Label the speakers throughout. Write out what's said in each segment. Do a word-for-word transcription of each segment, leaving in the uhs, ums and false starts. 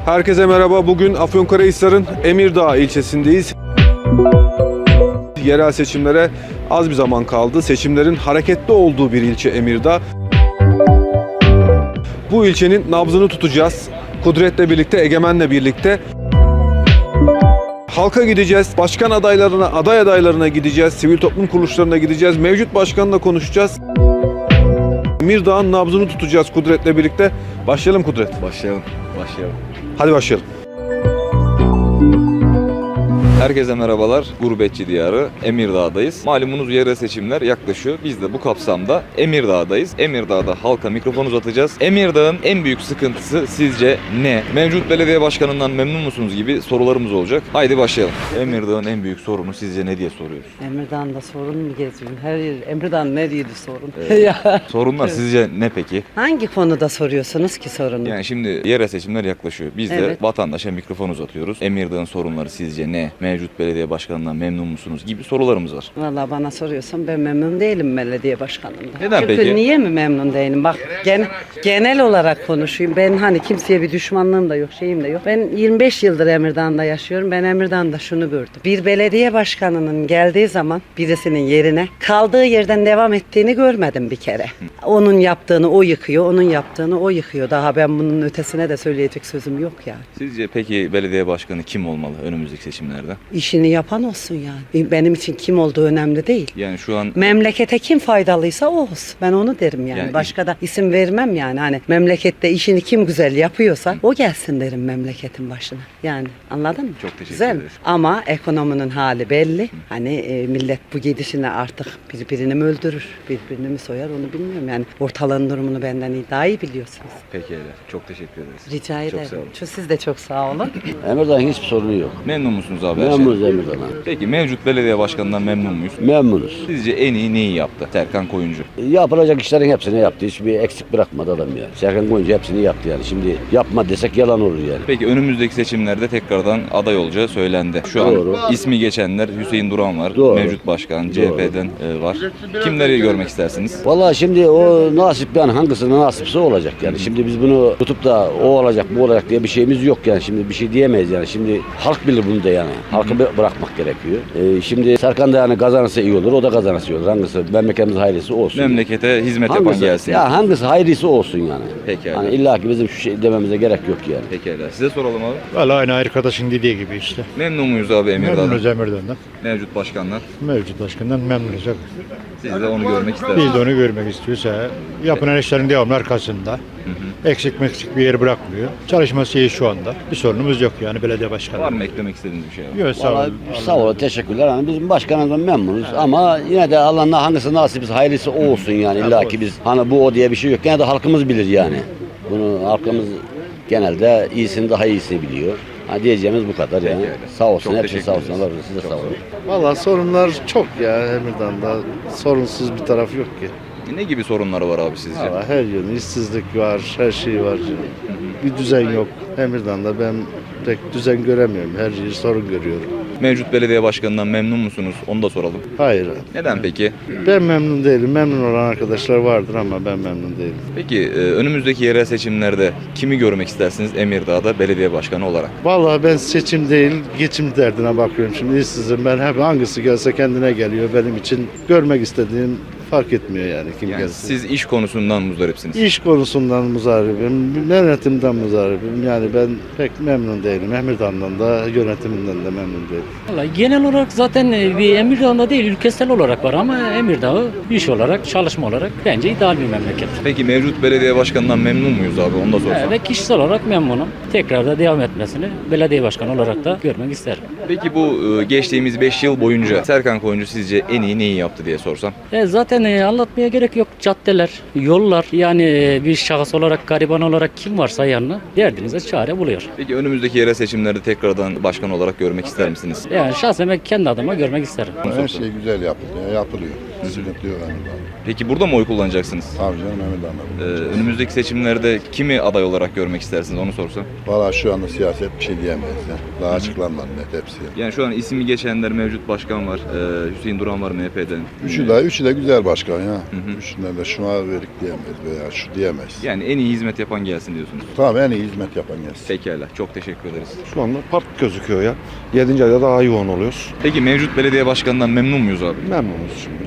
Speaker 1: Herkese merhaba. Bugün Afyonkarahisar'ın Emirdağ ilçesindeyiz. Yerel seçimlere az bir zaman kaldı. Seçimlerin hareketli olduğu bir ilçe Emirdağ. Bu ilçenin nabzını tutacağız. Kudret'le birlikte, Egemen'le birlikte. Halka gideceğiz, başkan adaylarına, aday adaylarına gideceğiz, sivil toplum kuruluşlarına gideceğiz, mevcut başkanla konuşacağız. Emirdağ'ın nabzını tutacağız Kudret'le birlikte. Başlayalım Kudret.
Speaker 2: Başlayalım, başlayalım.
Speaker 1: Hadi başlayalım.
Speaker 2: Herkese merhabalar. Gurbetçi diyarı Emirdağ'dayız. Malumunuz yerel seçimler yaklaşıyor. Biz de bu kapsamda Emirdağ'dayız. Emirdağ'da halka mikrofon uzatacağız. Emirdağ'ın en büyük sıkıntısı sizce ne? Mevcut belediye başkanından memnun musunuz gibi sorularımız olacak. Haydi başlayalım. Emirdağ'ın en büyük sorunu sizce ne diye soruyoruz.
Speaker 3: Emirdağ'da sorun mu geziyorum? Her yer, Emirdağ'ın nereydi sorun?
Speaker 2: Evet.
Speaker 3: Ya.
Speaker 2: Sorunlar sizce ne peki?
Speaker 3: Hangi konuda soruyorsunuz ki sorunu?
Speaker 2: Yani şimdi yerel seçimler yaklaşıyor. Biz de
Speaker 3: Evet.
Speaker 2: vatandaşa mikrofon uzatıyoruz. Emirdağ'ın sorunları sizce ne? Mevcut belediye başkanından memnun musunuz gibi sorularımız var.
Speaker 3: Vallahi bana soruyorsan ben memnun değilim belediye başkanımdan.
Speaker 2: Neden
Speaker 3: Çünkü
Speaker 2: peki?
Speaker 3: niye mi memnun değilim? Bak gen, genel olarak konuşayım. Ben hani kimseye bir düşmanlığım da yok, şeyim de yok. Ben yirmi beş yıldır Emirdağ'da yaşıyorum. Ben Emirdağ'da şunu gördüm. Bir belediye başkanının geldiği zaman birisinin yerine kaldığı yerden devam ettiğini görmedim bir kere. Onun yaptığını o yıkıyor, onun yaptığını o yıkıyor. Daha ben bunun ötesine de söyleyecek sözüm yok yani.
Speaker 2: Sizce peki belediye başkanı kim olmalı önümüzdeki seçimlerde?
Speaker 3: İşini yapan olsun yani. Benim için kim olduğu önemli değil.
Speaker 2: Yani şu an
Speaker 3: Memlekete kim faydalıysa o olsun. Ben onu derim yani.
Speaker 2: Yani
Speaker 3: Başka da isim vermem yani. Hani memlekette işini kim güzel yapıyorsa o gelsin derim memleketin başına. Yani anladın mı?
Speaker 2: Çok teşekkür
Speaker 3: Güzel mi?
Speaker 2: ederiz.
Speaker 3: Ama ekonominin hali belli. Hani e, millet bu gidişine artık birbirini mi öldürür, birbirini mi soyar onu bilmiyorum. Yani ortalığın durumunu benden iyi, daha iyi biliyorsunuz.
Speaker 2: peki öyle. Çok teşekkür ederiz.
Speaker 3: Rica
Speaker 2: Çok
Speaker 3: ederim.
Speaker 2: sağ olun.
Speaker 3: Şu siz de çok sağ olun.
Speaker 4: Emirdağ'ın hiçbir sorunu yok.
Speaker 2: Memnun musunuz abi? her
Speaker 4: Memnunuz
Speaker 2: şeyden?
Speaker 4: Emirdağ'dan.
Speaker 2: Peki mevcut belediye başkanından memnun muyuz?
Speaker 4: Memnunuz.
Speaker 2: Sizce en iyi neyi yaptı Serkan Koyuncu?
Speaker 4: Yapılacak işlerin hepsini yaptı. Hiçbir eksik bırakmadı adam yani. Serkan Koyuncu hepsini yaptı yani. Şimdi yapma desek yalan olur yani.
Speaker 2: Peki önümüzdeki seçimlerde tekrardan aday olacağı söylendi. Şu
Speaker 4: Doğru.
Speaker 2: an ismi geçenler Hüseyin Duran var,
Speaker 4: Doğru.
Speaker 2: mevcut başkan, C H P'den e, var. Kimleri görmek istersiniz?
Speaker 4: Vallahi şimdi o nasip yani hangisine nasipse olacak yani. Şimdi biz bunu tutup da o olacak bu olacak diye bir şeyimiz yok yani. Şimdi bir şey diyemeyiz yani. Şimdi halk bilir bunu da yani. Halkı bı- bırakmak gerekiyor. Ee, şimdi Serkan da yani kazanırsa iyi olur. O da kazanırsa iyi olur. Hangisi memleketimiz hayırlısı olsun.
Speaker 2: Memlekete hizmet yapan
Speaker 4: Hangisi,
Speaker 2: gelsin.
Speaker 4: ya hangisi hayırlısı olsun yani.
Speaker 2: Pekala.
Speaker 4: Hani illa ki bizim şu şey dememize gerek yok yani.
Speaker 2: Pekala. Size soralım abi.
Speaker 5: Valla aynı arkadaşın dediği gibi işte.
Speaker 2: Memnun muyuz abi Emirdağ'dan?
Speaker 5: Memnunuz Emirdağ'dan.
Speaker 2: Mevcut başkanlar.
Speaker 5: Mevcut başkandan memnunuz.
Speaker 2: Siz de onu görmek istersiniz.
Speaker 5: Biz de onu görmek istiyorsa yapılan işlerin devamlı arkasında. Eksik meksik bir yer bırakmıyor. Çalışması iyi şu anda. Bir sorunumuz yok yani belediye başkanı.
Speaker 2: Var mı eklemek istediğiniz bir şey abi?
Speaker 5: Yok sağ
Speaker 4: Vallahi
Speaker 5: olun.
Speaker 4: sağ olun, teşekkürler. Hani bizim başkanımızdan memnunuz ama yine de Allah'ın hangisi nasipse hayırlısı o olsun yani. İlla ki biz hani bu o diye bir şey yok. Gene de halkımız bilir yani. Bunu halkımız genelde iyisini daha iyisini biliyor. Ha diyeceğimiz bu kadar yani.
Speaker 2: Peki öyle.
Speaker 4: Sağ olsun,
Speaker 2: Çok
Speaker 4: hepsi
Speaker 2: teşekkür
Speaker 4: sağ olsun.
Speaker 2: ederiz.
Speaker 4: Allah razı olsun. Siz de sağ olun.
Speaker 6: Valla sorunlar çok ya Emirdağ'da. Sorunsuz bir taraf yok ki.
Speaker 2: Ne gibi sorunları var abi sizce?
Speaker 6: Valla her yönü işsizlik var, her şey var. Bir düzen yok. Emirdağ'da ben pek düzen göremiyorum. Her yeri sorun görüyorum.
Speaker 2: Mevcut belediye başkanından memnun musunuz? Onu da soralım.
Speaker 6: Hayır.
Speaker 2: Neden peki?
Speaker 6: Ben memnun değilim. Memnun olan arkadaşlar vardır ama ben memnun değilim.
Speaker 2: Peki e, önümüzdeki yerel seçimlerde kimi görmek istersiniz Emirdağ'da belediye başkanı olarak?
Speaker 6: Valla ben seçim değil, geçim derdine bakıyorum. Şimdi işsizim ben. Hep hangisi gelse kendine geliyor. Benim için görmek istediğim fark etmiyor yani kim
Speaker 2: Yani
Speaker 6: gelse.
Speaker 2: siz iş konusundan muzdaripsiniz.
Speaker 6: İş konusundan muzdaribim, yönetimden muzdaribim. Yani ben pek memnun değilim. Emirdağ'dan da yönetiminden de memnun değilim.
Speaker 7: Vallahi genel olarak zaten bir Emirdağ'da değil ülkesel olarak var ama Emirdağ'ı iş olarak, çalışma olarak bence ideal bir memleket.
Speaker 2: Peki mevcut belediye başkanından memnun muyuz abi? Onu da sorsam.
Speaker 7: Ve kişisel olarak memnunum. Tekrar da devam etmesini belediye başkanı olarak da görmek isterim.
Speaker 2: Peki bu e, geçtiğimiz beş yıl boyunca Serkan Koyuncu sizce en iyi neyi yaptı diye sorsam?
Speaker 7: E zaten e, anlatmaya gerek yok. Caddeler, yollar yani e, bir şahıs olarak, gariban olarak kim varsa yanına derdinize çare buluyor.
Speaker 2: Peki önümüzdeki yerel seçimlerde tekrardan başkan olarak görmek ister misiniz?
Speaker 7: Yani şahsen ben kendi adıma görmek isterim.
Speaker 8: Her şey güzel yapılıyor, yapılıyor. Sıkıntı yok Emirdağ'da.
Speaker 2: Peki burada mı oy kullanacaksınız?
Speaker 8: Tabii canım Emirdağ'da.
Speaker 2: Ee, önümüzdeki seçimlerde kimi aday olarak görmek istersiniz onu sorsam?
Speaker 8: Valla şu anda siyaset bir şey diyemeyiz ya. Daha açıklanmadı net hepsi.
Speaker 2: Yani şu an ismi geçenler mevcut başkan var. Ee, Hüseyin Duran var M H P'den.
Speaker 8: Üçü de, üçü de güzel başkan ya.
Speaker 2: hı.
Speaker 8: Üçünden de şuna verik diyemeyiz veya şu diyemeyiz.
Speaker 2: Yani en iyi hizmet yapan gelsin diyorsunuz.
Speaker 8: Tamam en iyi hizmet yapan gelsin.
Speaker 2: Pekala. Çok teşekkür ederiz.
Speaker 9: Şu anda park gözüküyor ya. yedinci ayda daha yoğun oluyoruz.
Speaker 2: Peki mevcut belediye başkanından memnun muyuz abi?
Speaker 9: Memnunuz şimdi.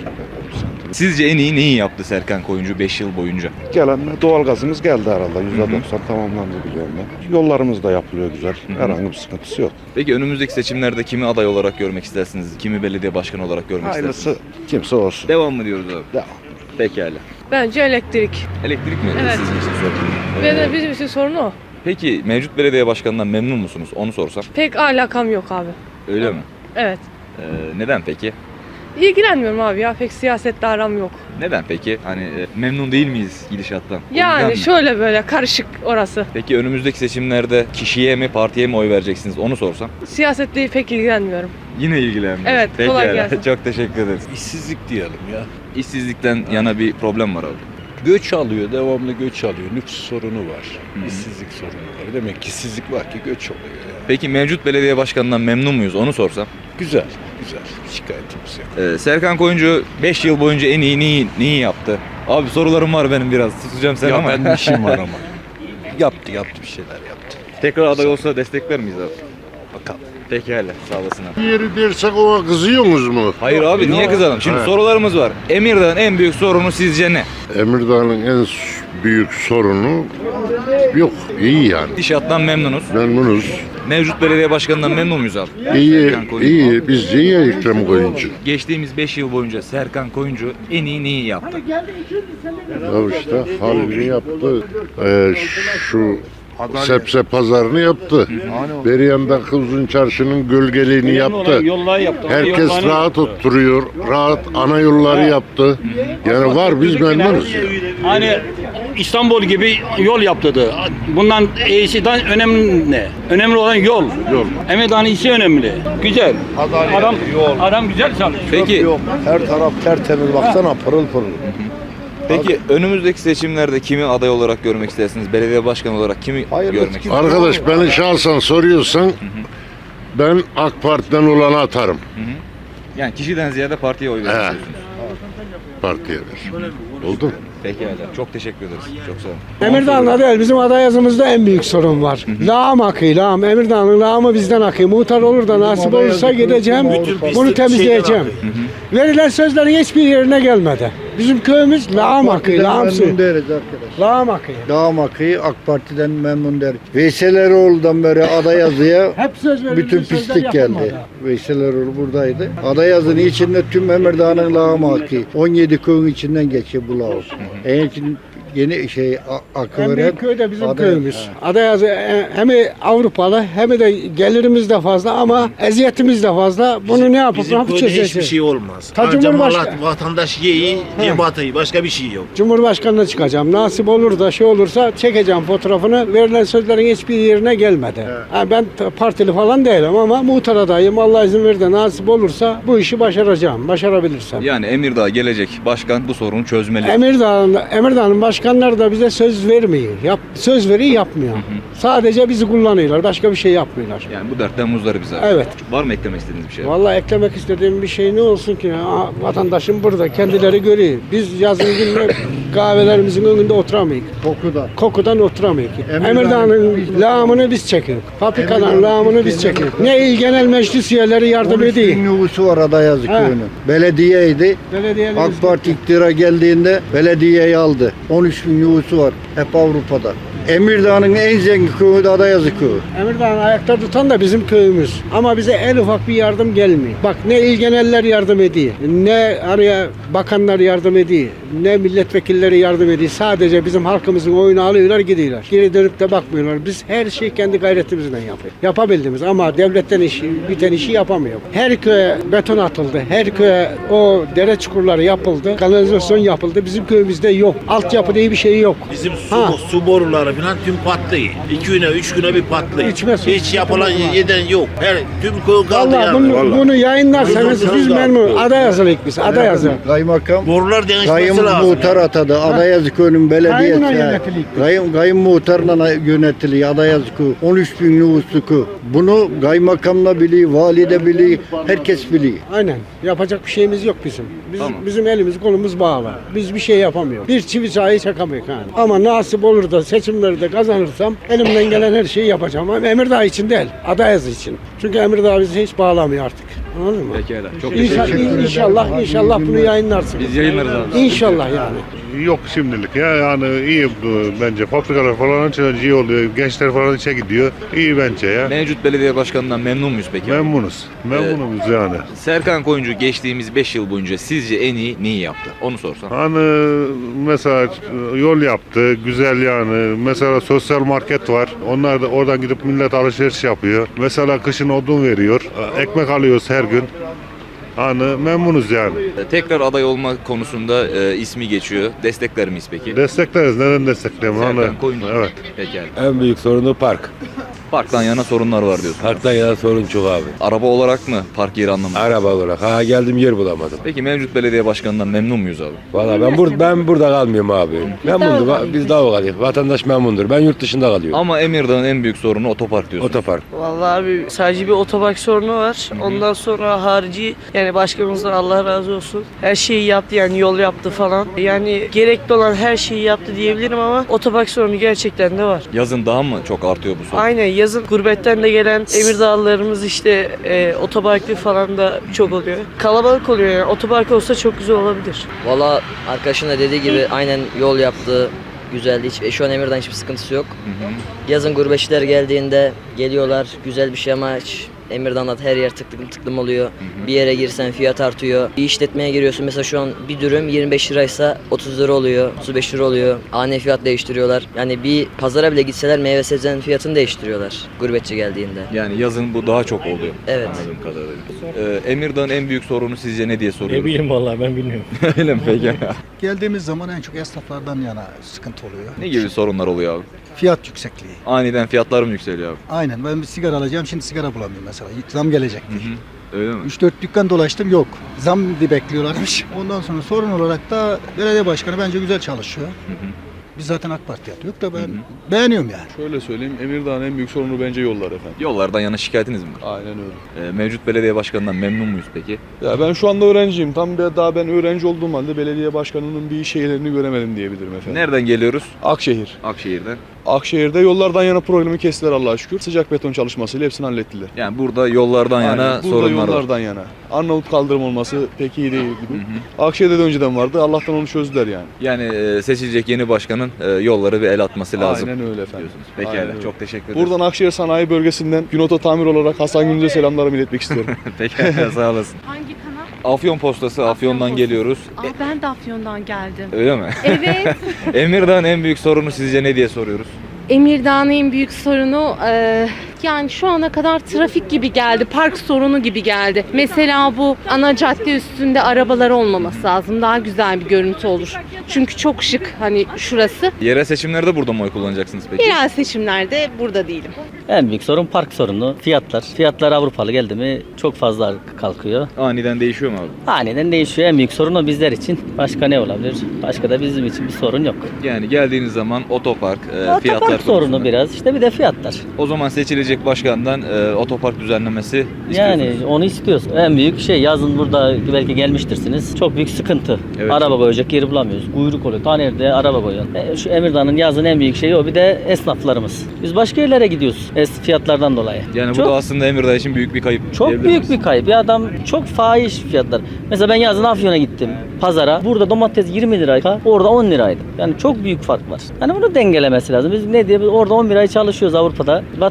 Speaker 2: Sizce en iyi neyi yaptı Serkan Koyuncu beş yıl boyunca?
Speaker 9: Gelen doğalgazımız geldi herhalde. yüzde doksan tamamlandı biliyorum ben. Yollarımız da yapılıyor güzel. Herhangi bir sıkıntısı yok.
Speaker 2: Peki önümüzdeki seçimlerde kimi aday olarak görmek istersiniz? Kimi belediye başkanı olarak görmek istersiniz?
Speaker 9: Hayırlısı kimse olsun.
Speaker 2: Devam mı diyoruz abi?
Speaker 9: Devam.
Speaker 2: Pekala.
Speaker 10: Bence elektrik.
Speaker 2: Elektrik mi?
Speaker 10: Evet.
Speaker 2: Sizin için sorun.
Speaker 10: Ve de
Speaker 2: Ee,
Speaker 10: bizim için sorun o.
Speaker 2: Peki mevcut belediye başkanından memnun musunuz? Onu sorsam.
Speaker 10: Pek alakam yok abi.
Speaker 2: Öyle mi?
Speaker 10: Evet.
Speaker 2: Ee, neden peki?
Speaker 10: İlgilenmiyorum abi ya. Pek siyasetle aram yok.
Speaker 2: Neden peki? Hani e, memnun değil miyiz gidişattan? O
Speaker 10: Yani
Speaker 2: yüzden mi?
Speaker 10: şöyle böyle karışık orası.
Speaker 2: Peki önümüzdeki seçimlerde kişiye mi partiye mi oy vereceksiniz? Onu sorsam.
Speaker 10: Siyasetle pek ilgilenmiyorum.
Speaker 2: Yine ilgilenmiyor.
Speaker 10: Evet, kolay
Speaker 2: Pekala.
Speaker 10: gelsin.
Speaker 2: Çok teşekkür ederiz.
Speaker 11: İşsizlik diyelim ya.
Speaker 2: İşsizlikten yana bir problem var abi.
Speaker 11: Göç alıyor, devamlı göç alıyor. Nüfus sorunu var, işsizlik sorunu var. Demek ki işsizlik var ki göç oluyor yani.
Speaker 2: Peki mevcut belediye başkanından memnun muyuz? Onu sorsam.
Speaker 11: Güzel, güzel. Şikayetimiz yok.
Speaker 2: Ee, Serkan Koyuncu beş yıl boyunca en iyi neyi, neyi yaptı? Abi sorularım var benim biraz. Tutacağım seni
Speaker 11: Ya
Speaker 2: ama.
Speaker 11: benim işim var ama. Yaptı, yaptı bir şeyler yaptı.
Speaker 2: Tekrar aday olsa destekler miyiz abi? Bakalım. Pekala. Sağ olasın abi.
Speaker 8: Yeri dersek ona kızıyorsunuz mu?
Speaker 2: Hayır abi niye kızalım? Şimdi
Speaker 8: Evet.
Speaker 2: sorularımız var. Emirdağ'ın en büyük sorunu sizce ne?
Speaker 8: Emirdağ'ın en büyük sorunu yok. İyi yani.
Speaker 2: İnşaattan memnunuz.
Speaker 8: Memnunuz.
Speaker 2: Mevcut belediye başkanından memnun muyuz abi?
Speaker 8: İyi,
Speaker 2: Serkan Koyuncu.
Speaker 8: iyi. Bizce iyi Ekrem Koyuncu.
Speaker 2: Geçtiğimiz beş yıl boyunca Serkan Koyuncu en iyi neyi yaptı?
Speaker 8: Ya işte halini yaptı. Ee, şu sebze pazarını yaptı. Beriyandaki uzun çarşının gölgeliğini yaptı. Herkes rahat oturuyor. Rahat ana yolları yaptı. Yani var biz memnunuz. ya.
Speaker 12: Hani İstanbul gibi yol yaptırdı. Bundan iyisinden önemli ne? Önemli olan yol.
Speaker 8: Yol.
Speaker 12: Emirdağ'ın iyisi önemli. Güzel. Adam adam güzel çalışıyor.
Speaker 2: Peki
Speaker 6: Her taraf tertemiz baksana pırıl pırıl.
Speaker 2: peki önümüzdeki seçimlerde kimi aday olarak görmek istersiniz? Belediye başkanı olarak kimi
Speaker 6: Hayırlısı
Speaker 2: görmek
Speaker 6: kim?
Speaker 2: istersiniz?
Speaker 8: Arkadaş beni şahsen soruyorsan ben AK Parti'den olanı atarım.
Speaker 2: Yani kişiden ziyade partiye oy vermek
Speaker 8: He.
Speaker 2: istiyorsunuz.
Speaker 8: Partiye ver. Oldu mu?
Speaker 2: Pekala. Çok teşekkür ederiz. Çok sağ olun.
Speaker 13: Emirdağ'da değil, bizim aday yazımızda en büyük sorun var. Lağım akıyor, lağım. Emirdağ'ın lağımı bizden akıyor. Muhtar olur da nasip olursa gideceğim, bunu temizleyeceğim. Verilen sözlerin hiçbir yerine gelmedi. Bizim köyümüz lağım akıyor, lağım suyu. Lağım akıyor.
Speaker 6: Dağım akıyı AK Parti'den memnun der. Veysel Eroğlu'dan beri aday yazıya
Speaker 13: Hep söz verildi,
Speaker 6: bütün
Speaker 13: sözler
Speaker 6: pislik
Speaker 13: yapılmadı.
Speaker 6: geldi. Veysel Eroğlu buradaydı. Aday yazının içinde tüm Emirdağ'ın lağımı akıyor. on yedi köyün içinden geçiyor bu lağım. En için yeni şey a- akı
Speaker 13: En
Speaker 6: veren
Speaker 13: büyük köy de bizim
Speaker 6: aday-
Speaker 13: köyümüz.
Speaker 6: He.
Speaker 13: Aday yazı e, hem Avrupalı hem de gelirimiz de fazla ama eziyetimiz de fazla. Bunu ne yapıp ne yapıp çözeceğiz?
Speaker 11: olmaz.
Speaker 13: Ta Cumhurbaşkanı-
Speaker 11: vatandaş ye iyi, ye batayı. Başka bir şey yok.
Speaker 13: Cumhurbaşkanına çıkacağım. Nasip olur da şey olursa çekeceğim fotoğrafını. Verilen sözlerin hiçbir yerine gelmedi. Ha, ben t- partili falan değilim ama muhtar adayım. Allah izin verir de nasip olursa bu işi başaracağım. Başarabilirsem.
Speaker 2: Yani Emirdağ gelecek başkan bu sorunu çözmeli.
Speaker 13: Emirdağ'ın, Emirdağ'ın başkanları da bize söz vermiyor. Yap, söz veriyor yapmıyor. Sadece bizi kullanıyorlar. Başka bir şey yapmıyorlar.
Speaker 2: Yani bu dertten muzdarı abi.
Speaker 13: Evet.
Speaker 2: Var mı eklemek istediğiniz bir şey?
Speaker 13: Vallahi eklemek istediğim bir şey ne olsun ki? Aa, vatandaşım burada. Kendileri görüyor. Biz yazın günde kahvelerimizin önünde oturamayız.
Speaker 6: Kokudan.
Speaker 13: Kokudan oturamayız.
Speaker 6: Emirdağ'ın-
Speaker 13: Emirdağ'ın lağımını biz çekiyoruz. Fabrikadan lağımını biz çekiyoruz. Ne il genel meclis üyeleri yardım
Speaker 6: on üç bin
Speaker 13: ediyor.
Speaker 6: nüfusu var aday yazı
Speaker 13: He.
Speaker 6: köyünün. Belediyeydi.
Speaker 13: Belediyelerimiz-
Speaker 6: AK Parti iktidara geldiğinde belediyeyi aldı. on üç bin nüfusu var. Hep Avrupa'da. Emirdağ'ın en zengin köyü de Adayazı köyü.
Speaker 13: Emirdağ'ın ayakta tutan da bizim köyümüz. Ama bize en ufak bir yardım gelmiyor. Bak ne il geneller yardım ediyor. Ne araya bakanlar yardım ediyor. Ne milletvekilleri yardım ediyor. Sadece bizim halkımızın oyunu alıyorlar gidiyorlar. Geri dönüp de bakmıyorlar. Biz her şeyi kendi gayretimizle yapıyoruz. Yapabildiğimiz ama devletten işi, biten işi yapamıyor. Her köye beton atıldı. Her köye o dere çukurları yapıldı. Kanalizasyon yapıldı. Bizim köyümüzde yok. Altyapı diye bir şey yok.
Speaker 11: Bizim su,
Speaker 13: Ha.
Speaker 11: su boruları
Speaker 12: falan tüm patlıyor. İki güne, üç güne bir patlıyor.
Speaker 13: İçmesin.
Speaker 12: Hiç yapılan yeden yok. Her tüm köy kaldı
Speaker 13: Vallahi
Speaker 12: yani.
Speaker 13: bunu, bunu yayınlarsanız
Speaker 12: Bunu
Speaker 13: biz
Speaker 12: da-
Speaker 13: memnun. Aday yazılık biz. Aday yazılık.
Speaker 6: Kaymakam
Speaker 12: Borular değişmesi
Speaker 6: Kayın
Speaker 12: lazım.
Speaker 6: muhtar atadı. Adayazı köyünün
Speaker 13: Kayınla
Speaker 6: belediyesi.
Speaker 13: yönetilik.
Speaker 6: Kayın, kayın muhtarla yönetiliyor. Adayazı köy. on üç bin nüfuslu köy. Bunu kaymakamla biliyor, vali de biliyor, herkes biliyor.
Speaker 13: Aynen. Yapacak bir şeyimiz yok bizim. Biz,
Speaker 2: Tamam.
Speaker 13: Bizim elimiz kolumuz bağlı. Biz bir şey yapamıyoruz. Bir çivi çayı çakamayız yani. Ama nasip olur da seçimleri de kazanırsam elimden gelen her şeyi yapacağım. Ama Emirdağ için değil, Adayazı için. Çünkü Emirdağ bizi hiç bağlamıyor artık. Anladın mı?
Speaker 2: Pekala. Çok
Speaker 13: İnşallah,
Speaker 2: teşekkür ederim.
Speaker 13: inşallah, inşallah bunu yayınlarsınız.
Speaker 2: Biz yayınlarız abi.
Speaker 13: İnşallah yani.
Speaker 8: Yok şimdilik ya yani iyi bu bence fabrikalar falan açılınca iyi oluyor. Gençler falan işe gidiyor. İyi bence ya.
Speaker 2: Mevcut belediye başkanından memnun muyuz peki?
Speaker 8: Memnunuz. Memnunuz yani.
Speaker 2: Serkan Koyuncu geçtiğimiz beş yıl boyunca sizce en iyi neyi yaptı? Onu sorsam.
Speaker 8: Hani mesela yol yaptı, güzel yani. Mesela sosyal market var. Onlar da oradan gidip millet alışveriş yapıyor. Mesela kışın odun veriyor. Ekmek alıyoruz her gün. Hani memnunuz yani.
Speaker 2: Tekrar aday olma konusunda e, ismi geçiyor. Destekler miyiz peki?
Speaker 8: Destekleriz. Neden destekleyelim?
Speaker 2: Serkan
Speaker 8: Hani,
Speaker 2: Koyuncu.
Speaker 8: evet.
Speaker 2: Pekala.
Speaker 14: En büyük sorunu park.
Speaker 2: Parktan yana sorunlar var diyorsun.
Speaker 14: Parktan yana sorun çok abi.
Speaker 2: Araba olarak mı? Park yeri anlamında.
Speaker 14: Araba olarak. Ha geldim yer bulamadım.
Speaker 2: Peki mevcut belediye başkanından memnun muyuz abi?
Speaker 14: Valla ben bur ben burada kalmıyorum abi. Memnundur. Va- Biz daha kalıyoruz. Vatandaş memnundur. Ben yurt dışında kalıyorum.
Speaker 2: Ama Emirdağ'ın en büyük sorunu otopark diyorsun.
Speaker 14: Otopark.
Speaker 10: Vallahi abi sadece bir otopark sorunu var. Ondan sonra harici yani başkanımızdan Allah razı olsun. Her şeyi yaptı yani yol yaptı falan. Yani gerekli olan her şeyi yaptı diyebilirim ama otopark sorunu gerçekten de var.
Speaker 2: Yazın daha mı çok artıyor bu sorun?
Speaker 10: Aynen yazın gurbetten de gelen Emirdağlılarımız işte e, otoparklı falan da çok oluyor. Kalabalık oluyor yani otopark olsa çok güzel olabilir.
Speaker 3: Valla arkadaşın da dediği gibi aynen yol yaptı. Güzeldi. Hiç, şu an Emirdağ'ın hiçbir sıkıntısı yok. Yazın gurbetçiler geldiğinde geliyorlar. Güzel bir şey ama hiç Emirdağ'da her yer tıklım tıklım oluyor. Bir yere girsen fiyat artıyor. Bir işletmeye giriyorsun mesela şu an bir dürüm yirmi beş liraysa otuz lira oluyor, otuz beş lira oluyor. Ani fiyat değiştiriyorlar. Yani bir pazara bile gitseler meyve sebzenin fiyatını değiştiriyorlar gurbetçi geldiğinde.
Speaker 2: Yani yazın bu daha çok oluyor.
Speaker 3: Evet.
Speaker 2: Anladığım kadarıyla. Ee, Emirdağ'ın en büyük sorunu sizce ne diye soruyoruz?
Speaker 7: Ne bileyim vallahi ben bilmiyorum.
Speaker 2: Öyle mi peki?
Speaker 13: Geldiğimiz zaman en çok esnaflardan yana sıkıntı oluyor.
Speaker 2: Ne gibi sorunlar oluyor abi?
Speaker 13: Fiyat yüksekliği.
Speaker 2: Aniden fiyatlar mı yükseliyor abi?
Speaker 13: Aynen. Ben bir sigara alacağım. Şimdi sigara bulamıyorum mesela. Zam gelecek.
Speaker 2: Öyle mi?
Speaker 13: üç dört dükkan dolaştım yok. Zam diye bekliyorlarmış. Ondan sonra sorun olarak da belediye başkanı bence güzel çalışıyor. Biz zaten AK Parti yapıyor da ben beğeniyorum yani.
Speaker 11: Şöyle söyleyeyim, Emirdağ'ın en büyük sorunu bence yollar efendim.
Speaker 2: Yollardan yana şikayetiniz mi var?
Speaker 11: Aynen öyle.
Speaker 2: Ee, mevcut belediye başkanından memnun muyuz peki?
Speaker 11: Ya ben şu anda öğrenciyim. Tam bir daha ben öğrenci olduğum halde belediye başkanının bir şeylerini göremedim diyebilirim efendim.
Speaker 2: Nereden geliyoruz?
Speaker 11: Akşehir.
Speaker 2: Akşehir'den.
Speaker 11: Akşehir'de yollardan yana problemi kestiler Allah'a şükür. Sıcak beton çalışmasıyla hepsini hallettiler.
Speaker 2: Yani burada yollardan yana
Speaker 11: Aynen, burada
Speaker 2: sorunlar var.
Speaker 11: yollardan yana. Arnavut kaldırım olması pek iyi değil gibi. Akşehir'de de önceden vardı. Allah'tan onu çözdüler yani.
Speaker 2: Yani e, seçilecek yeni başkanın e, yolları bir el atması lazım.
Speaker 11: Aynen öyle efendim.
Speaker 2: Diyorsunuz. Pekala.
Speaker 11: Aynen öyle.
Speaker 2: Çok teşekkür ederiz.
Speaker 11: Buradan Akşehir Sanayi Bölgesi'nden Günoto Tamir olarak Hasan Gündüz'e selamlarımı iletmek istiyorum.
Speaker 2: Pekala sağ olasın.
Speaker 10: Hangi kanal?
Speaker 2: Afyon Postası, Afyon'dan geliyoruz.
Speaker 10: Aa, ben de Afyon'dan geldim.
Speaker 2: Öyle mi?
Speaker 10: Evet.
Speaker 2: Emirdağ'ın en büyük sorunu sizce ne diye soruyoruz?
Speaker 10: Emirdağ'ın en büyük sorunu e, yani şu ana kadar trafik gibi geldi, park sorunu gibi geldi. Mesela bu ana cadde üstünde arabalar olmaması lazım. Daha güzel bir görüntü olur. Çünkü çok şık hani şurası.
Speaker 2: Yerel seçimlerde burada mı oy kullanacaksınız peki?
Speaker 10: Yerel seçimlerde burada değilim.
Speaker 7: En büyük sorun park sorunu, fiyatlar. Fiyatlar Avrupalı geldi mi çok fazla kalkıyor.
Speaker 2: Aniden değişiyor mu abi?
Speaker 7: Aniden değişiyor. En büyük sorun o bizler için. Başka ne olabilir? Başka da bizim için bir sorun yok.
Speaker 2: Yani geldiğiniz zaman otopark, e,
Speaker 7: Otopark
Speaker 2: fiyatlar
Speaker 7: sorunu
Speaker 2: konusunda.
Speaker 7: biraz. İşte bir de fiyatlar.
Speaker 2: O zaman seçilecek başkandan e, otopark düzenlemesi istiyorsunuz.
Speaker 7: Yani onu istiyoruz. En büyük şey yazın burada belki gelmiştirsiniz. Çok büyük sıkıntı.
Speaker 2: Evet.
Speaker 7: Araba koyacak yeri bulamıyoruz. Kuyruk oluyor. Ta nerede araba koyuyorsun. E, şu Emirdağ'ın yazın en büyük şeyi o. Bir de esnaflarımız. Biz başka yerlere gidiyoruz. Es fiyatlardan dolayı.
Speaker 2: Yani
Speaker 7: çok,
Speaker 2: bu da aslında Emirdağ için büyük bir kayıp.
Speaker 7: çok
Speaker 2: diyebilir
Speaker 7: büyük
Speaker 2: miyiz?
Speaker 7: bir kayıp. Bir adam çok fahiş fiyatlar. Mesela ben yazın Afyon'a gittim. Pazara. Burada domates yirmi liraydı. Orada on liraydı. Yani çok büyük fark var. Hani bunu dengelemesi lazım. Biz ne diye biz orada on bir ay çalışıyoruz Avrupa'da. Vatanımız için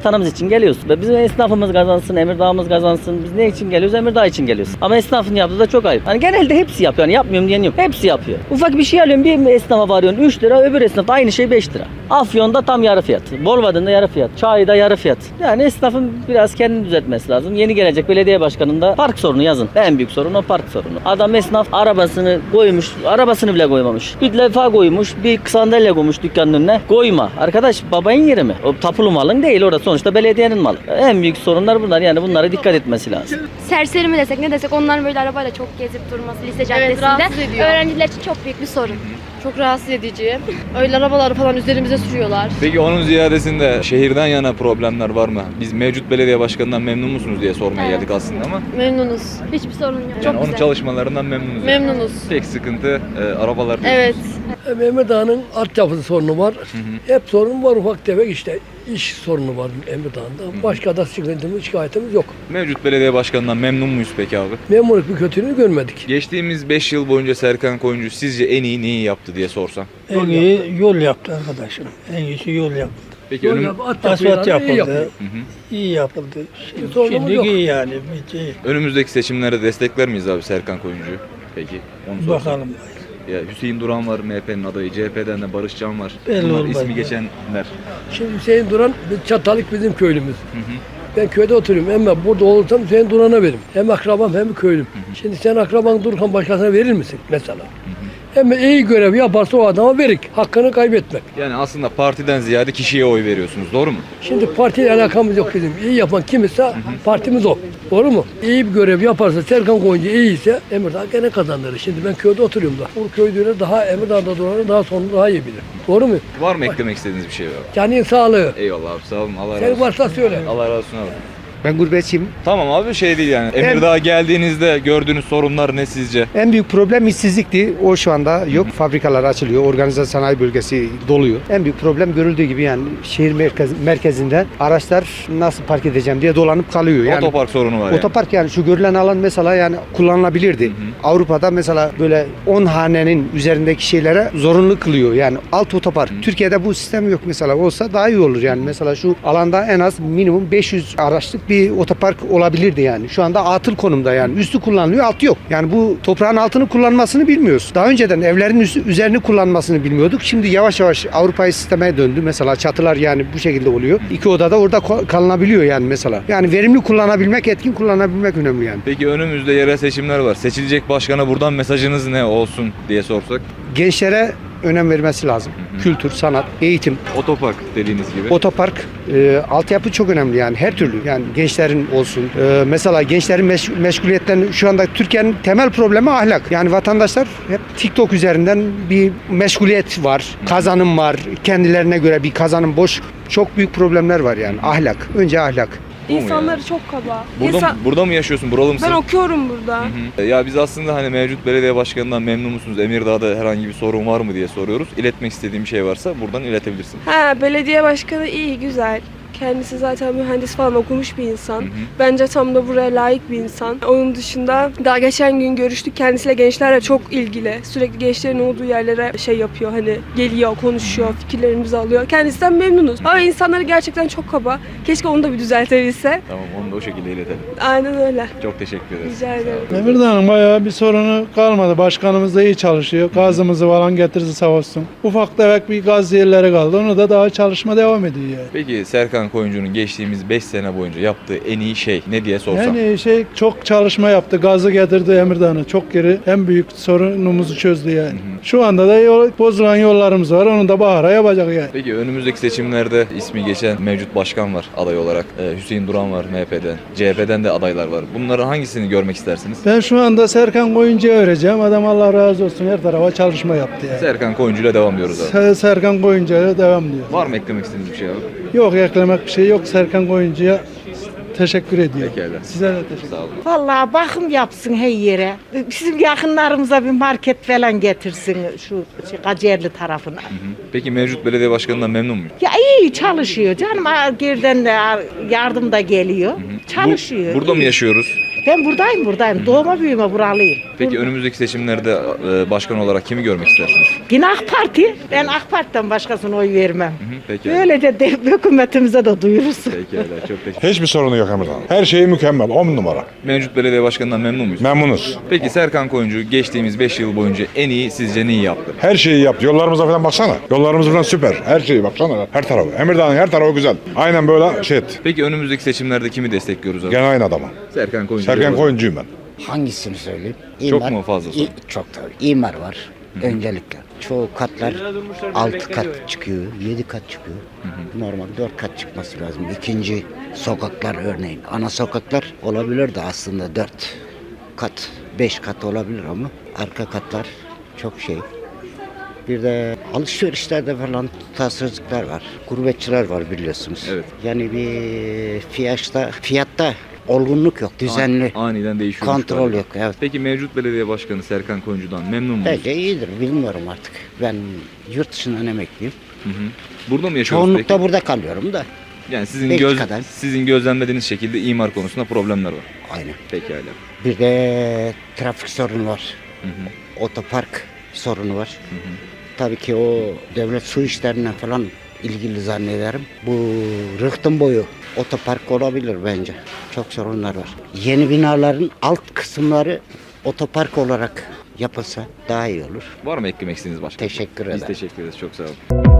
Speaker 7: için geliyoruz. Ve bizim esnafımız kazansın, Emirdağ'ımız kazansın. Biz ne için geliyoruz? Emirdağ için geliyoruz. Ama esnafın yaptığı da çok ayıp. Hani genelde hepsi yapıyor. Yani yapmıyorum diyen yok. Hepsi yapıyor. Ufak bir şey alıyorum, bir esnafa varıyorsun üç lira, öbür esnafta aynı şey beş lira. Afyon'da tam yarı fiyat. Bolvadin'de yarı fiyat. Çay'da yarı fiyat. Yani esnafın biraz kendini düzeltmesi lazım. Yeni gelecek belediye başkanında park sorunu yazın. En büyük sorun o park sorunu. Adam esnaf arabasını koymuş, arabasını bile koymamış. Bir defa koymuş, bir sandalye koymuş dükkanın önüne. Koyma. Arkadaş babayın yeri mi? O tapulu malın değil, orada sonuçta belediyenin malı. En büyük sorunlar bunlar, yani bunlara dikkat etmesi lazım.
Speaker 15: Serseri mi desek ne desek onların böyle arabayla çok gezip durması lise caddesinde
Speaker 10: rahatsız ediyor.
Speaker 15: öğrenciler için çok büyük bir sorun.
Speaker 10: Çok rahatsız edici. Öyle arabaları falan üzerimize sürüyorlar.
Speaker 2: Peki onun ziyadesinde şehirden yana problemler var mı? Biz mevcut belediye başkanından memnun musunuz diye sormaya
Speaker 15: Evet.
Speaker 2: geldik aslında ama.
Speaker 10: Memnunuz.
Speaker 15: Hiçbir sorun yok.
Speaker 2: Yani
Speaker 15: çok
Speaker 2: onun
Speaker 15: güzel.
Speaker 2: çalışmalarından memnunuz.
Speaker 10: Memnunuz.
Speaker 2: Tek sıkıntı e, arabalar diyorsunuz.
Speaker 10: Evet.
Speaker 13: Emirdağ'ın altyapısı sorunu var. Hep sorun var, ufak tefek işte iş sorunu var Emirdağ'da. Başka da sıkıntımız, şikayetimiz yok.
Speaker 2: Mevcut belediye başkanından memnun muyuz peki abi?
Speaker 13: Memurluk bir kötülüğünü görmedik.
Speaker 2: Geçtiğimiz beş yıl boyunca Serkan Koyuncu sizce en iyi neyi yaptı diye sorsam?
Speaker 13: En iyi yol yaptı arkadaşım. En iyisi yol yaptı.
Speaker 2: Peki önüm,
Speaker 13: Asfalt yapıldı.
Speaker 2: Hı hı.
Speaker 13: İyi yapıldı. Şimdi, şimdi iyi yani. Bitti.
Speaker 2: önümüzdeki seçimlerde destekler miyiz abi Serkan Koyuncu'yu? Peki onu sorsam.
Speaker 13: Bakalım.
Speaker 2: Ya Hüseyin Duran var M H P'nin adayı, C H P'den de Barış Can var.
Speaker 13: Belli
Speaker 2: Bunlar
Speaker 13: olmaz
Speaker 2: ismi
Speaker 13: ya.
Speaker 2: geçenler.
Speaker 13: Şimdi Hüseyin Duran, Çatalık bizim köylümüz. Ben köyde oturuyorum ama burada olursam Hüseyin Duran'a veririm. Hem akrabam hem köylüm. Şimdi sen akraban dururken başkasına verir misin mesela? Hem iyi görev yaparsa o adama verik. Hakkını kaybetmek.
Speaker 2: Yani aslında partiden ziyade kişiye oy veriyorsunuz, doğru mu?
Speaker 13: Şimdi partiyle alakamız yok bizim. İyi yapan kim ise partimiz o. Doğru mu? İyi bir görev yaparsa, Serkan Koyuncu iyi ise Emirdağ gene kazanır. Şimdi ben köyde oturuyorum da. Bu köylüleri daha Emirdağ'da duranı daha sonra daha iyi bilir. Doğru mu?
Speaker 2: Var mı eklemek istediğiniz bir şey var?
Speaker 13: Canın sağlığı.
Speaker 2: Eyvallah abi, sağ olun. Allah razı
Speaker 13: Sen
Speaker 2: olsun.
Speaker 13: varsa söyle.
Speaker 2: Allah razı olsun abi.
Speaker 16: Ben gurbetçiyim.
Speaker 2: Tamam abi, şey değil yani. Emirdağ'a geldiğinizde gördüğünüz sorunlar ne sizce?
Speaker 16: En büyük problem işsizlikti. O şu anda yok. Fabrikalar açılıyor. Organize sanayi bölgesi doluyor. En büyük problem görüldüğü gibi yani şehir merkez, merkezinde araçlar nasıl park edeceğim diye dolanıp kalıyor. Yani
Speaker 2: Otopark sorunu var yani.
Speaker 16: Otopark yani şu görülen alan mesela yani kullanılabilirdi. Avrupa'da mesela böyle on hanenin üzerindeki şeylere zorunlu kılıyor. Yani alt otopark. Türkiye'de bu sistem yok mesela. Olsa daha iyi olur yani. Mesela şu alanda en az minimum beş yüz araçlık bir otopark olabilirdi yani. Şu anda atıl konumda yani. Üstü kullanılıyor, altı yok. Yani bu toprağın altını kullanmasını bilmiyoruz. Daha önceden evlerin üstü, üzerini kullanmasını bilmiyorduk. Şimdi yavaş yavaş Avrupa'yı sisteme döndü. Mesela çatılar yani bu şekilde oluyor. İki odada orada kalınabiliyor yani mesela. Yani verimli kullanabilmek, etkin kullanabilmek önemli yani.
Speaker 2: Peki önümüzde yerel seçimler var. Seçilecek başkana buradan mesajınız ne olsun diye sorsak?
Speaker 16: Gençlere önem vermesi lazım. Kültür, sanat, eğitim.
Speaker 2: Otopark dediğiniz gibi.
Speaker 16: Otopark, e, altyapı çok önemli yani her türlü. Yani gençlerin olsun. E, mesela gençlerin meş- meşguliyetten şu anda Türkiye'nin temel problemi ahlak. Yani vatandaşlar hep TikTok üzerinden bir meşguliyet var. Kazanım var. Kendilerine göre bir kazanım boş. Çok büyük problemler var yani. Ahlak. Önce ahlak.
Speaker 10: İnsanları çok kaba.
Speaker 2: Burada,
Speaker 10: İnsan-
Speaker 2: burada mı yaşıyorsun? Buralı mısın?
Speaker 10: Ben okuyorum burada.
Speaker 2: Hı hı. Ya biz aslında hani mevcut belediye başkanından memnun musunuz? Emirdağ'da herhangi bir sorun var mı diye soruyoruz. İletmek istediğim bir şey varsa buradan iletebilirsin.
Speaker 10: Ha, belediye başkanı iyi, güzel. Kendisi zaten mühendis falan okumuş bir insan.
Speaker 2: Hı hı.
Speaker 10: Bence tam da buraya layık bir insan. Onun dışında daha geçen gün görüştük. Kendisiyle gençlerle çok ilgili. Sürekli gençlerin olduğu yerlere şey yapıyor. Hani geliyor, konuşuyor, fikirlerimizi alıyor. Kendisinden memnunuz. Ama insanları gerçekten çok kaba. Keşke onu da bir düzeltebilse.
Speaker 2: Tamam, onu da o şekilde iletelim.
Speaker 10: Aynen öyle.
Speaker 2: Çok teşekkür ederiz.
Speaker 10: Rica ederim.
Speaker 5: Emirdağ'ın bayağı bir sorunu kalmadı. Başkanımız da iyi çalışıyor. Gazımızı falan getirdi sağ olsun. Ufak tefek bir gaz yerleri kaldı. Onu da daha çalışma devam ediyor yani.
Speaker 2: Peki Serkan Koyuncu'nun geçtiğimiz beş sene boyunca yaptığı en iyi şey ne diye sorsam?
Speaker 5: En iyi şey çok çalışma yaptı. Gazı getirdi Emirdağ'a. Çok geri en büyük sorunumuzu çözdü yani. Şu anda da yol, bozulan yollarımız var. Onu da bahara yapacak yani.
Speaker 2: Peki önümüzdeki seçimlerde ismi geçen mevcut başkan var aday olarak. Ee, Hüseyin Duran var M H P'den. C H P'den de adaylar var. Bunların hangisini görmek istersiniz?
Speaker 5: Ben şu anda Serkan Koyuncu'ya vereceğim. Adam Allah razı olsun her tarafa çalışma yaptı yani.
Speaker 2: Serkan Koyuncu'yla devam diyoruz abi.
Speaker 5: Se- Serkan Koyuncu'ya devam diyor.
Speaker 2: Var mı eklemek istediğiniz bir şey abi?
Speaker 5: Yok eklemek bir şey yok. Serkan Koyuncu'ya teşekkür ediyorum.
Speaker 2: Pekala.
Speaker 5: Size de teşekkür ederim.
Speaker 2: Sağ olun.
Speaker 3: Vallahi bakım yapsın her yere. Bizim yakınlarımıza bir market falan getirsin şu şey, Kacerli tarafına.
Speaker 2: Hı hı. Peki mevcut belediye başkanından memnun muyum?
Speaker 3: Ya iyi çalışıyor canım. Ha, geriden de yardım da geliyor. Çalışıyor.
Speaker 2: Bu- burada mı yaşıyoruz?
Speaker 3: Ben buradayım buradayım. Doğma büyüme buralıyım.
Speaker 2: Peki önümüzdeki seçimlerde e, başkan olarak kimi görmek istersiniz?
Speaker 3: Yine AK Parti. Ben AK Parti'den başkasına oy vermem.
Speaker 2: Hı hı, peki.
Speaker 3: Böylece de hükümetimize de duyurursun.
Speaker 2: Pekala, çok teşekkür.
Speaker 9: Hiçbir sorunu yok Emirdağ'ın. Her şeyi mükemmel. on numara.
Speaker 2: Mevcut belediye başkanından memnun muyuz?
Speaker 9: Memnunuz.
Speaker 2: Peki Serkan Koyuncu geçtiğimiz beş yıl boyunca en iyi sizce neyi yaptı?
Speaker 9: Her şeyi yaptı. Yollarımıza falan baksana. Yollarımız falan süper. Her şeyi baksana. Her tarafı. Emirdağ'ın her tarafı güzel. Aynen böyle şey et.
Speaker 2: Peki önümüzdeki seçimlerde kimi destekliyoruz abi?
Speaker 9: Gene aynı adamı.
Speaker 2: Serkan Koyuncu.
Speaker 9: Serkan Koyuncuyum ben.
Speaker 17: Hangisini söyleyeyim?
Speaker 2: Çok mu fazla?
Speaker 17: İ- çok tabii. İmar var öncelikle. Çoğu katlar altı kat çıkıyor, yedi kat çıkıyor. Normal dört kat çıkması lazım. İkinci sokaklar örneğin. Ana sokaklar olabilir de aslında dört kat, beş kat olabilir ama arka katlar çok şey. Bir de alışverişlerde falan tutarsızlıklar var. Gurbetçiler var biliyorsunuz.
Speaker 2: Evet.
Speaker 17: Yani bir fiyatta, fiyatta olgunluk yok, düzenli.
Speaker 2: An- aniden değişiyor.
Speaker 17: Kontrol yok. Evet.
Speaker 2: Peki mevcut belediye başkanı Serkan Koyuncu'dan memnun muyuz?
Speaker 17: Bence iyidir. Bilmiyorum artık. Ben yurt dışından emekliyim.
Speaker 2: Hı hı. Burada mı yaşıyorsunuz
Speaker 17: Çoğunlukla
Speaker 2: peki?
Speaker 17: burada kalıyorum da.
Speaker 2: Yani sizin
Speaker 17: Belki
Speaker 2: göz
Speaker 17: kadar.
Speaker 2: sizin gözlemlediğiniz şekilde imar konusunda problemler var.
Speaker 17: Aynen.
Speaker 2: Pekala.
Speaker 17: Bir de trafik sorunu var.
Speaker 2: Hı hı.
Speaker 17: Otopark sorunu var.
Speaker 2: Hı hı.
Speaker 17: Tabii ki o devlet su işlerinden falan ilgili zannederim. Bu rıhtım boyu otopark olabilir bence. Çok sorunlar var. Yeni binaların alt kısımları otopark olarak yapılsa daha iyi olur.
Speaker 2: Var mı eklemek istediğiniz başka?
Speaker 17: Teşekkür
Speaker 2: Biz
Speaker 17: ederim.
Speaker 2: teşekkür ederiz. Çok sağ olun.